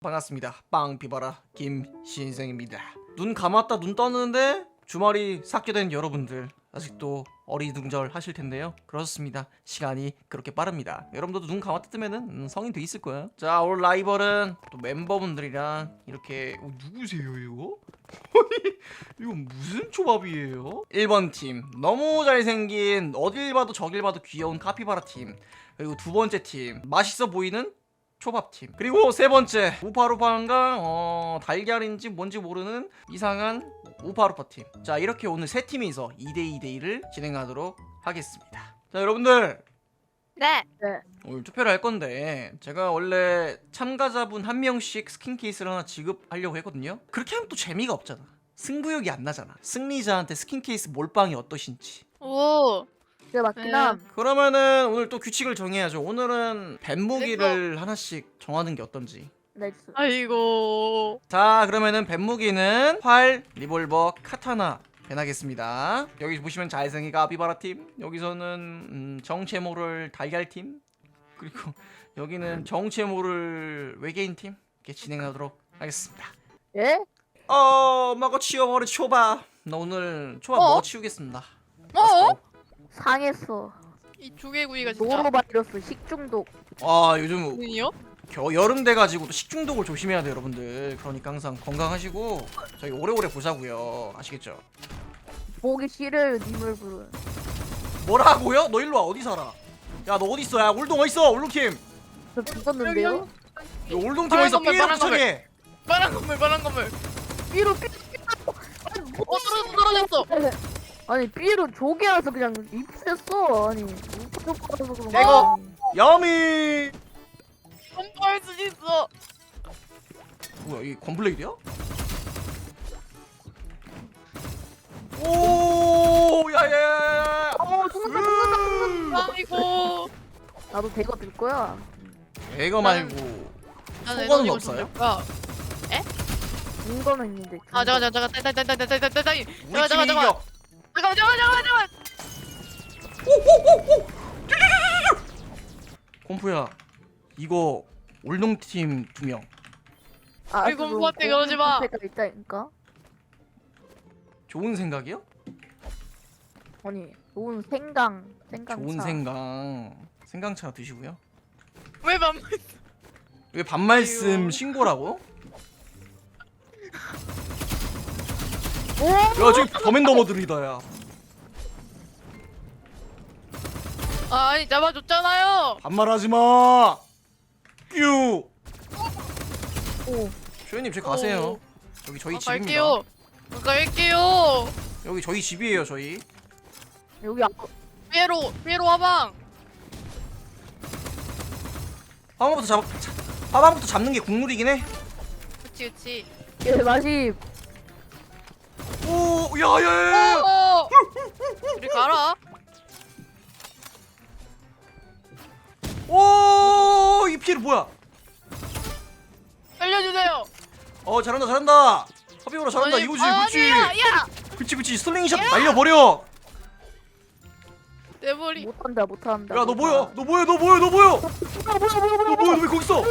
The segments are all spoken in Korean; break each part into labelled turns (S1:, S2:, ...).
S1: 반갑습니다. 빵 비바라 김신생입니다. 눈 감았다 눈 떴는데 주말이 삭제된 여러분들 아직도 어리둥절 하실 텐데요. 그렇습니다. 시간이 그렇게 빠릅니다. 여러분들도 눈 감았다 뜨면은 성인 돼 있을 거예요. 자, 오늘 라이벌은 또 멤버분들이랑 이렇게 누구세요 이거? 이거 무슨 초밥이에요? 1번 팀 너무 잘생긴 어딜 봐도 저길 봐도 귀여운 카피바라 팀, 그리고 두 번째 팀 맛있어 보이는 초밥팀, 그리고 세 번째 우파루파인가 달걀인지 뭔지 모르는 이상한 우파루파팀. 자, 이렇게 오늘 세 팀이서 2대2대2를 진행하도록 하겠습니다. 자, 여러분들
S2: 네.
S1: 오늘 투표를 할 건데 제가 원래 참가자분 한 명씩 스킨 케이스를 하나 지급하려고 했거든요. 그렇게 하면 또 재미가 없잖아. 승부욕이 안 나잖아. 승리자한테 스킨 케이스 몰빵이 어떠신지.
S2: 오.
S3: 그게 맞긴 함.
S1: 그러면은 오늘 또 규칙을 정해야죠. 오늘은 뱀무기를 하나씩 정하는 게 어떤지.
S3: 나이스.
S2: 아이고.
S1: 자, 그러면은 뱀무기는 활, 리볼버, 카타나 변하겠습니다. 여기 보시면 잘생긴 카피바라 팀, 여기서는 정체 모를 달걀 팀, 그리고 여기는 정체 모를 외계인 팀 이렇게 진행하도록 하겠습니다.
S3: 예?
S1: 먹어 치워버려 초밥. 나 오늘 초밥 먹어 치우겠습니다.
S3: 상했어.
S2: 이 조개구이가 진짜.
S3: 노로바이러스 식중독.
S1: 아, 요즘
S2: 아니요?
S1: 여름 돼가지고 또 식중독을 조심해야 돼요, 여러분들. 그러니까 항상 건강하시고 저희 오래오래 보자고요. 아시겠죠?
S3: 보기 싫어요 님을 부른.
S1: 뭐라고요? 너 일로 와. 어디 살아? 야, 너 어디 있어? 야, 올동 어디 있어? 올동팀.
S3: 저 죽었는데요?
S2: 여기,
S1: 야, 올동팀
S2: 파란
S1: 어디 있어?
S2: 건물,
S1: 삐에로
S2: 파란 건물.
S1: 부착해.
S2: 빨간 건물, 빨간 건물.
S3: 삐로
S2: 떨어졌어.
S3: 아니 삐로 조개라서 그냥 입혔어. 아니 우파루파라서 그런
S1: 내거. 야미.
S2: 펌프할 수 있어.
S1: 뭐야, 이 건블레이드야? 오, 야야야야.
S3: 죽는다.
S2: 아이고.
S3: 나도 대거 들 거야.
S1: 이거 말고
S2: 나는
S1: 속어는
S2: 에너지가
S1: 없어요?
S2: 좀 될까?
S3: 인거는 있는데.
S2: 아, 잠깐.
S1: 우리 팀이 이겨.
S2: 잠깐.
S1: 콤프야, 이거 올동팀 2명.
S3: 아,
S2: 아이고, 우파한테 그러지 마.
S3: 가 있다니까.
S1: 좋은 생각이요?
S3: 아니 좋은 생강.
S1: 좋은 생강차 드시고요.
S2: 왜 맘?
S1: 왜 반말씀
S2: 아이고.
S1: 신고라고?
S3: 오.
S1: 야, 저기 더맨더머들이다. 야,
S2: 아니, 잡아줬잖아요.
S1: 반말하지 마. 뀨.
S3: 오.
S1: 쇼이님, 저기 가세요. 여기 저희 집입니다.
S2: 갈게요.
S1: 여기 저희 집이에요. 저희.
S3: 여기 앞.
S2: 피에로 화방.
S1: 화방부터 잡는 게 국룰이긴 해.
S2: 그치.
S3: 예 맛이.
S1: 오, 야야야.
S2: 우리 가라.
S1: 오, 이 피해를 뭐야?
S2: 살려주세요.
S1: 잘한다. 허비오라 잘한다.
S2: 아니,
S1: 이거지, 그렇지.
S2: 야.
S1: 그치. 슬링샷 날려버려.
S2: 내 머리.
S3: 못한다.
S1: 야, 너 뭐야? 너 뭐야? 너
S3: 뭐야?
S1: 왜 거기 있어?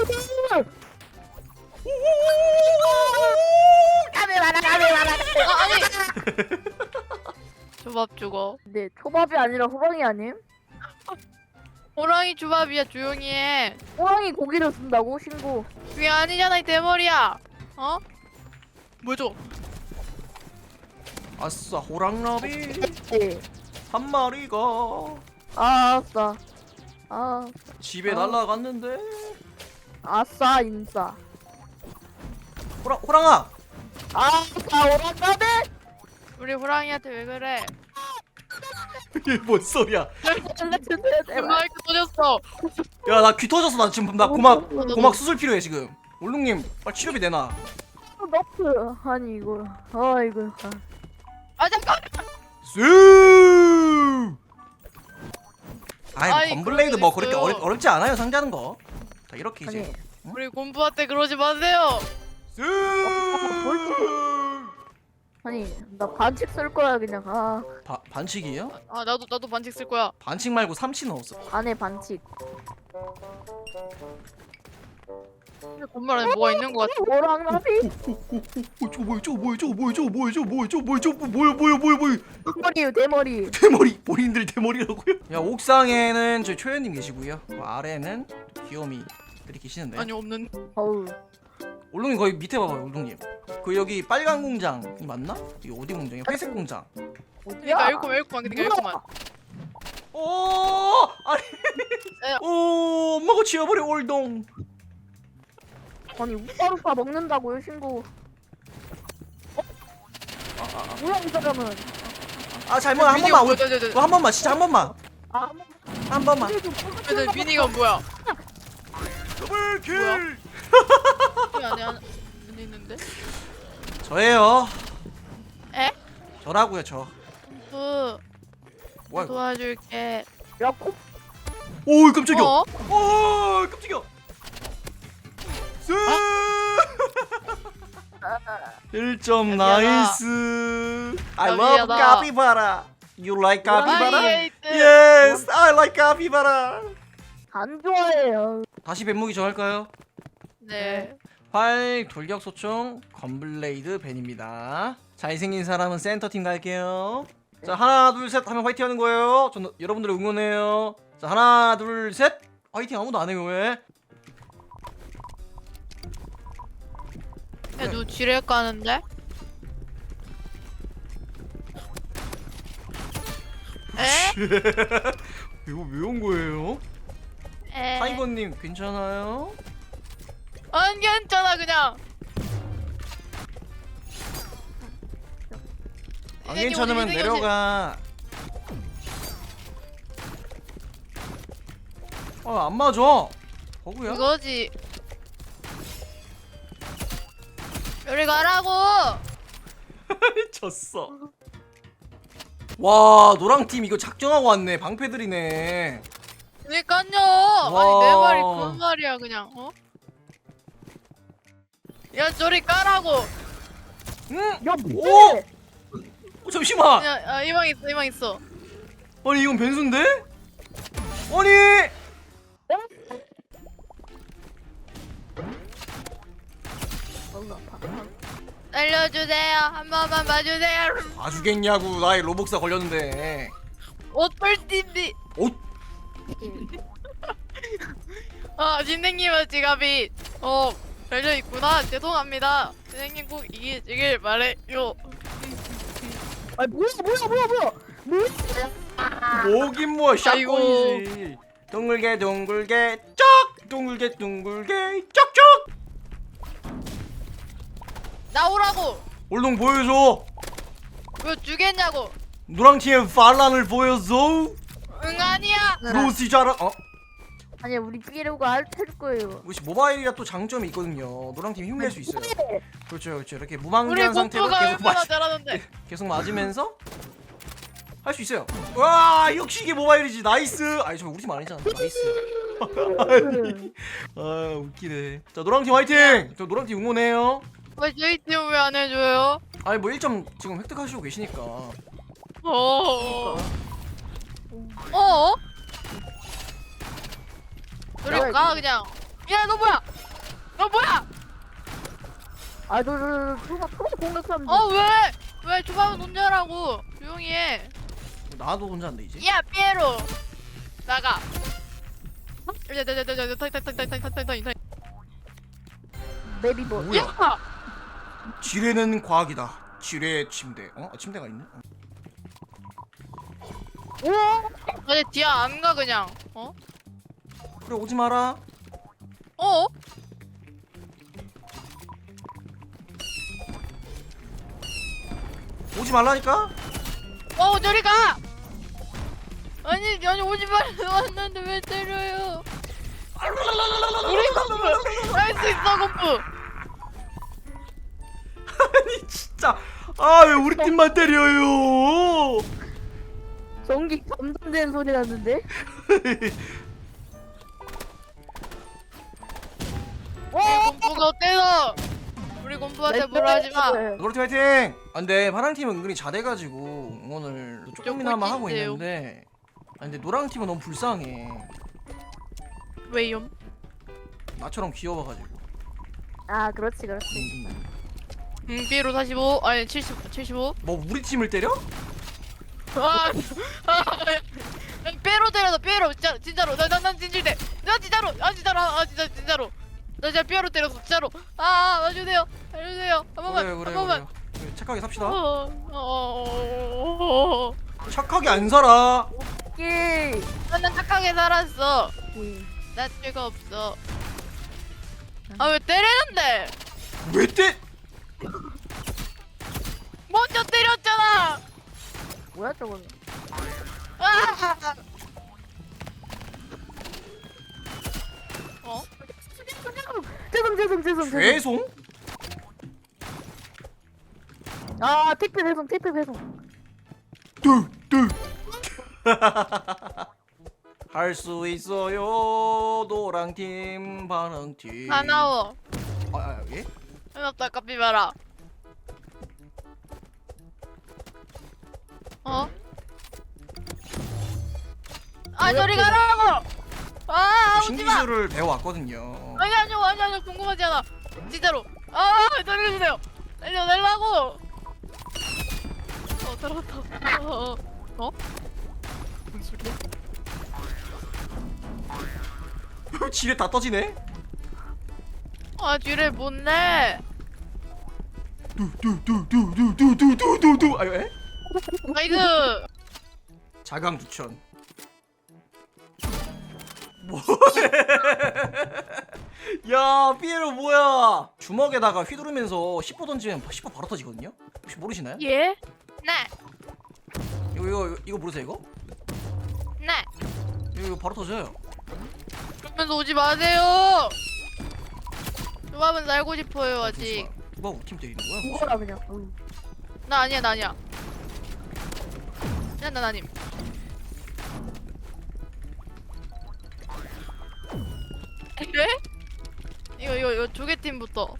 S2: 아니. 조밥 죽어.
S3: 네, 초밥이 아니라 호랑이 아님?
S2: 호랑이 조밥이야. 조용히 해.
S3: 호랑이 고기를 쓴다고 신고.
S2: 그게 아니잖아 이 대머리야. 어? 뭐죠?
S1: 아싸, 호랑나비
S3: 네.
S1: 한 마리가
S3: 아싸. 아,
S1: 집에 날아갔는데.
S3: 아싸 인싸.
S1: 호랑아.
S3: 아싸 오랑가네.
S2: 우리 호랑이한테 왜 그래?
S1: 이게 뭔 소리야?
S2: 마이크 터졌어.
S1: 야, 나 귀 터졌어. 나 지금 나 고막 수술 필요해 지금. 올롱님, 빨리 치료비 내놔.
S3: 너프 아니 이거. 아 이거.
S2: 아 잠깐.
S1: 쑤.
S2: 아이,
S1: 건블레이드
S2: 그런
S1: 뭐
S2: 거
S1: 그렇게
S2: 있어요.
S1: 어렵지 않아요, 상자는 거. 자, 이렇게 이제.
S3: 아니.
S2: 우리 공부한테 그러지 마세요.
S1: 쑤.
S3: 아니 나 반칙 쓸 거야 그냥. 아
S1: 반칙이에요?
S2: 아 나도 반칙 쓸 거야.
S1: 반칙 말고 삼치 넣었어.
S3: 안에 반칙.
S2: 건물 안에 뭐가 있는 것 같아.
S3: 뭐랑 나비?
S1: 저거 뭐야 저거 뭐야 저거 뭐야 저거 뭐야 저거 뭐야 저거 뭐야 저거 뭐야
S3: 대머리요 대머리.
S1: 대머리 본인들 대머리라고요? 야 옥상에는 저희 초연님 계시고요. 그 아래는 귀요미들이 계시는데.
S2: 아니 없는.
S3: 어우.
S1: 올롱님 거기 밑에 봐봐요 올롱님. 그 여기 빨간 공장이 맞나? 이게 어디 공장이야? 회색 공장.
S2: 그러니까 일코만 그러니까 일코만.
S1: 오 아니 오 엄마가 지워버려 올동.
S3: 아니 우파루파 먹는다고요 신고. 뭐야 이 사람은?
S1: 아 잘못 한 번만 한 번만 진짜 한 번만
S3: 아,
S1: 한 번만.
S2: 미니가 뭐야?
S1: 더블킬.
S2: 여기 안에 있는데?
S1: 저예요.
S2: 에?
S1: 저라고요 저.
S2: 그
S1: 뭐야 이거?
S2: 도와줄게.
S3: 야 코.
S1: 오 깜짝이야.
S2: 어?
S1: 오 깜짝이야. 쎄. 1점 나이스. I love
S2: 여기야다.
S1: capybara. You like capybara?
S2: 아이,
S1: Yes, I like capybara.
S3: 안 좋아해요.
S1: 다시 뱀무기 정할까요?
S2: 네.
S1: 활, 돌격 소총, 건블레이드 벤입니다. 잘생긴 사람은 센터팀 갈게요. 자 하나 둘 셋 하면 화이팅 하는 거예요. 저는 여러분들을 응원해요. 자 하나 둘 셋 화이팅. 아무도 안 해요 왜?
S2: 야, 누 지뢰 까는데? 에?
S1: 이거 왜 온 거예요?
S2: 에?
S1: 타이거님 괜찮아요?
S2: 안 괜찮아 그냥.
S1: 안
S2: 이게
S1: 괜찮으면
S2: 어디
S1: 내려가. 안 맞아. 버그야?
S2: 이거지. 여기 가라고.
S1: 졌어. 와 노랑팀 이거 작정하고 왔네. 방패들이네.
S2: 그니까요.
S1: 와.
S2: 아니 내 말이 그 말이야 그냥. 어? 야 저리 까라고.
S1: 응?
S3: 야
S1: 오!
S3: 뭐해?
S1: 잠시만.
S2: 야, 이방 있어 이방 있어.
S1: 아니 이건 변수인데? 아니
S3: 너무 아파.
S2: 살려주세요. 한 번만 봐주세요.
S1: 봐주겠냐고. 나의 로복사 걸렸는데.
S2: 옷벌팀비.
S1: 옷?
S2: 진행님은 지갑이 열려 있구나. 죄송합니다. 선생님 꼭 이기시길 바래요.
S3: 아니 뭐야?
S1: 뭐긴 뭐야.
S2: 아이고.
S1: 샷건이지. 둥글게 둥글게 쩍. 둥글게 둥글게 쪽쪽.
S2: 나오라고.
S1: 올동 보여줘.
S2: 왜 주겠냐고.
S1: 노랑팀의 반란을 보여줘.
S2: 응 아니야.
S1: 로시 잘하.
S3: 아니 우리 삐로가 알테일 거예요.
S1: 혹시 모바일이라 또 장점이 있거든요. 노랑팀 힘낼 수 있어요. 그렇죠. 이렇게
S2: 우리
S1: 무방비한 상태로
S2: 공부가
S1: 계속
S2: 얼마나 잘하는데.
S1: 계속 맞으면서 할 수 있어요. 와 역시 이게 모바일이지. 나이스. 아니 저 우리 팀 아니잖아. 나이스. 아 웃기네. 자 노랑팀 화이팅. 저 노랑팀 응원해요.
S2: 왜 저희 팀 왜 안 해줘요?
S1: 아니 뭐 1점 지금 획득하시고 계시니까.
S2: 어? 저리 가 그냥. 야 너 뭐야? 너 뭐야?
S3: 아저 공격하면
S2: 왜 주방은 혼자 하라고. 조용히 해.
S1: 나도 혼자 한다 이제.
S2: 야 피에로 나가.
S3: 메리버.
S1: 뭐야?
S2: 야!
S1: 지뢰는 과학이다. 지뢰 침대. 침대가 있네.
S3: 오.
S2: 아니 뒤야 안 가 그냥.
S1: 그래 오지 마라. 오지 말라니까.
S2: 저리 가. 아니 오지 말라 왔는데 왜 때려요? 우리 건프 할 수 있어 건프.
S1: 아니 진짜. 아 왜 우리 팀만 때려요?
S3: 전기 감전된 소리 났는데.
S2: 건프가 어때서? 우리 건프한테 뭐라 하지 마.
S1: 노랑팀 화이팅! 근데 파랑팀은 은근히 잘해가지고 응원을 조금이나마 하고
S2: 꼴찌인데요.
S1: 있는데 근데 노랑팀은 너무 불쌍해.
S2: 왜요?
S1: 나처럼 귀여워가지고
S3: 아 그렇지 그렇지.
S2: 삐로 45 아니 75
S1: 뭐 우리 팀을 때려?
S2: 아, 삐로 때려서 삐로 진짜로 난 진실돼 나 진짜로 진짜로 나 진짜 삐로 때렸어 진짜로 와주세요 한 번만
S1: 그래
S2: 한
S1: 그래
S2: 번만
S1: 그래. 착하게 삽시다.
S2: 어.
S1: 착하게 안 살아.
S3: 예.
S2: 난 착하게 살았어
S3: 예.
S2: 나 죄가 없어 왜 때리는데
S1: 왜 때?
S2: 먼저 때렸잖아
S3: 뭐야 저거는?
S2: 아! 어?
S3: 죄송.
S1: 죄송?
S3: 아 택배 배송.
S1: 할 수 있어요. 노랑팀, 반응팀.
S2: 사나워
S1: 예?
S2: 해놨다 카피바라 저리 가라고 오지마
S1: 신기술을 배워왔거든요.
S2: 아니 궁금하지 않아 진짜로 저리 가주세요 내려고 들어갔다 무슨 소리야?
S1: 지뢰 다 떠지네?
S2: 뒤를 못내
S1: 뚜뚜뚜뚜뚜뚜뚜뚜뚜. 아유 에?
S2: 나이스
S1: 자강두천. 뭐해? 야 삐에로 뭐야? 주먹에다가 휘두르면서 10호 던지면 10호 바로 터지거든요? 혹시 모르시나요?
S2: 예? 네
S1: 이거 모르세요 이거?
S2: 네
S1: 이거 바로 터져요.
S2: 그러면서 오지 마세요 조합은 살고 싶어요 아직
S1: 잠시만. 누가 우리 팀 때리는 거야?
S3: 뭐라 그냥.
S2: 나 아니야 난 아님 그래? 이거 조개팀부터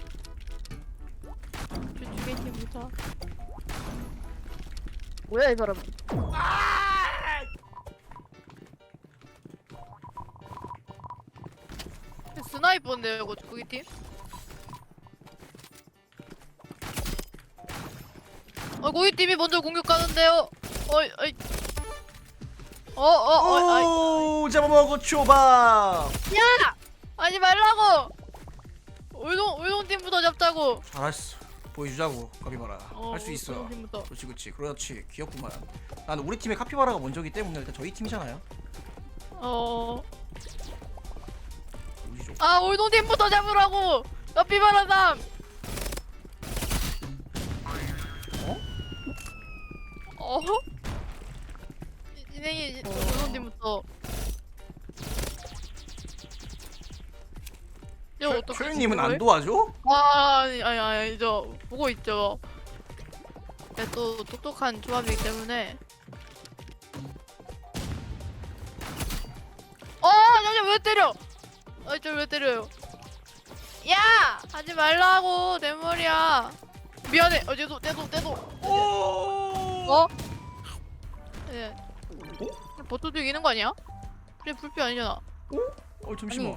S2: 조개팀부터
S3: 뭐야 이 사람은?
S2: 스나이퍼인데요 이거 조개팀? 고기팀이 먼저 공격하는데요
S1: 오 잡아먹어 초밥.
S2: 야! 하지 말라고! 울동팀부터 잡자고!
S1: 잘했어. 보여주자고 카피바라. 할 수 있어.
S2: 울동팀부터.
S1: 그렇지 귀엽구만. 나는 우리 팀의 카피바라가 먼저기 때문에 일단 저희 팀이잖아요. 보여주죠.
S2: 울동팀부터 잡으라고! 카피바라삼! 진행이 울동팀부터. 이거 어떻게
S1: 초연님은 안
S2: 진행을?
S1: 도와줘?
S2: 아니 저 보고 있죠. 또 똑똑한 조합이기 때문에. 잠시 왜 때려? 저 왜 때려요? 야! 하지 말라고 내 머리야. 미안해. 떼도.
S1: 오.
S2: 예. 버터도 이기는 거 아니야? 그래 불피 아니잖아.
S1: 잠시만.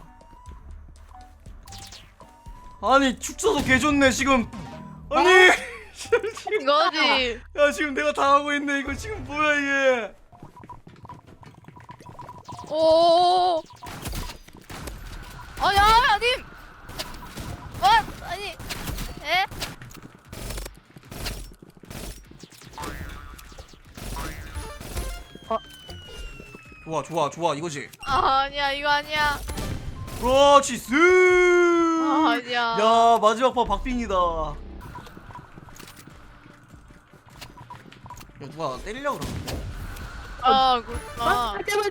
S1: 아니 축소도 개 좋네 지금. 아니
S2: 이거지.
S1: 야 지금 내가 당하고 있네. 이거 지금 뭐야 이게?
S2: 아님. 아니. 에?
S1: 좋아 이거지.
S2: 아니야 이거 아니야.
S1: 그렇지 스.
S2: 아니야.
S1: 야 마지막 판 박빙이다. 야 누가 때리려고 그러는데?
S2: 그렇구나.
S3: 제발.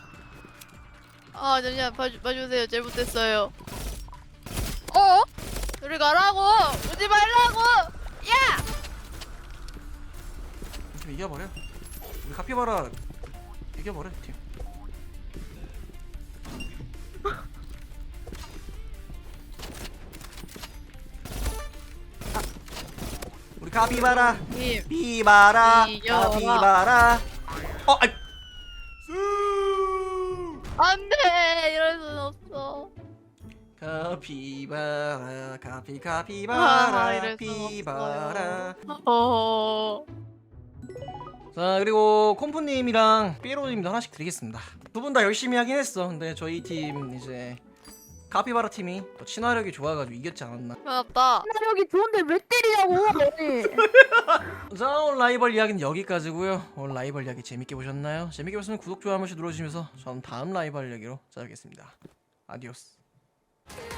S2: 잠시만 봐주세요. 잘못됐어요. 우리 가라고. 오지 말라고. 야.
S1: 좀 이겨버려. 우리 카피바라 이겨버려 팀. 우리 카피바라
S2: 님.
S1: 피바라
S2: 이겨라.
S1: 카피바라. 아이. 수.
S2: 안돼 이럴 순 없어.
S1: 카피바라 카피
S2: 아,
S1: 카피바라
S2: 이래서
S1: 피바라. 자 그리고 콤프님이랑 삐로님도 하나씩 드리겠습니다. 두 분 다 열심히 하긴 했어. 근데 저희 팀 이제 카피바라 팀이 또 친화력이 좋아가지고 이겼지 않았나.
S2: 맞다.
S3: 여기 좋은데 왜 때리냐고 아니.
S1: 자 오늘 라이벌 이야기는 여기까지고요. 오늘 라이벌 이야기 재밌게 보셨나요? 재밌게 보셨으면 구독 좋아요 한 번씩 눌러주시면서 저는 다음 라이벌 이야기로 찾아뵙겠습니다. 아디오스.